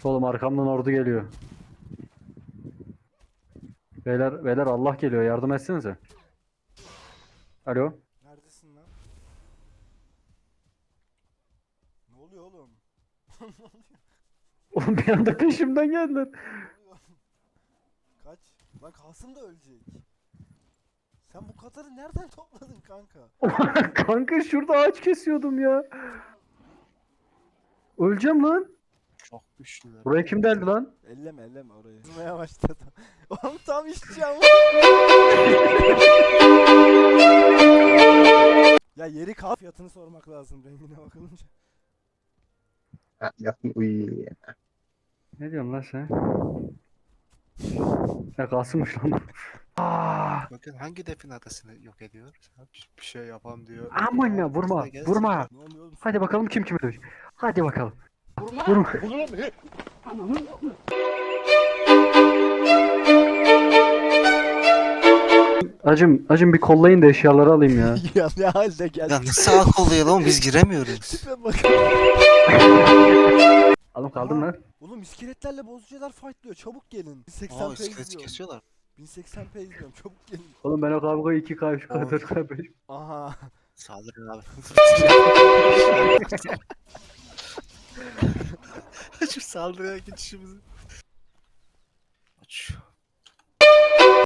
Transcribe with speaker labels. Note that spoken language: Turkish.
Speaker 1: Oğlum arkamdan ordu geliyor. Beyler Allah geliyor, yardım etsenize. Alo.
Speaker 2: Neredesin lan? Ne oluyor oğlum?
Speaker 1: Oğlum bir anda peşimden geldiler.
Speaker 2: Ne oluyor? Kaç. Lan Kasım da ölecek. Sen bu Katar'ı nereden topladın kanka?
Speaker 1: Kanka şurada ağaç kesiyordum ya. Öleceğim lan.
Speaker 3: Çok güçlüler.
Speaker 1: Buraya kim deldi lan?
Speaker 2: Elleme orayı. Kızmaya başladı. Oğlum tam işçi ama. Ya yeri kal. Fiyatını sormak lazım rengine bakılınca.
Speaker 3: Yapma uyuyor.
Speaker 1: Ne diyorsun lan sen? Ya Kasım'mış lan bu. Aa,
Speaker 3: Bakın hangi defin adasını yok ediyor? Bir şey yapam diyor.
Speaker 1: aman ya
Speaker 3: Aa,
Speaker 1: vurma
Speaker 3: bize gelsin.
Speaker 1: vurma.
Speaker 2: Ne oluyor oğlum?
Speaker 1: Hadi bakalım kim kime dövecek. Hadi bakalım. Vurma. Acım bir kollayın da eşyaları alayım ya.
Speaker 2: Ya ne halde geldi?
Speaker 3: Ya nasıl ak oluyor lan biz giremiyoruz.
Speaker 2: Tipe bak.
Speaker 1: Alım kaldım
Speaker 2: Aha.
Speaker 1: lan.
Speaker 2: Oğlum iskeletlerle bozucular fightlıyor. Çabuk gelin. 1080p
Speaker 3: Aa iskeleti
Speaker 2: izliyorum.
Speaker 3: kesiyorlar.
Speaker 2: 1080p izliyorum. Çabuk gelin.
Speaker 1: Oğlum ben o kavgayı 2K, 3K,
Speaker 3: Oy.
Speaker 1: 4K, 5.
Speaker 2: Aha.
Speaker 3: Saldırın abi. Şu saldırıya geçişimizi. Aç.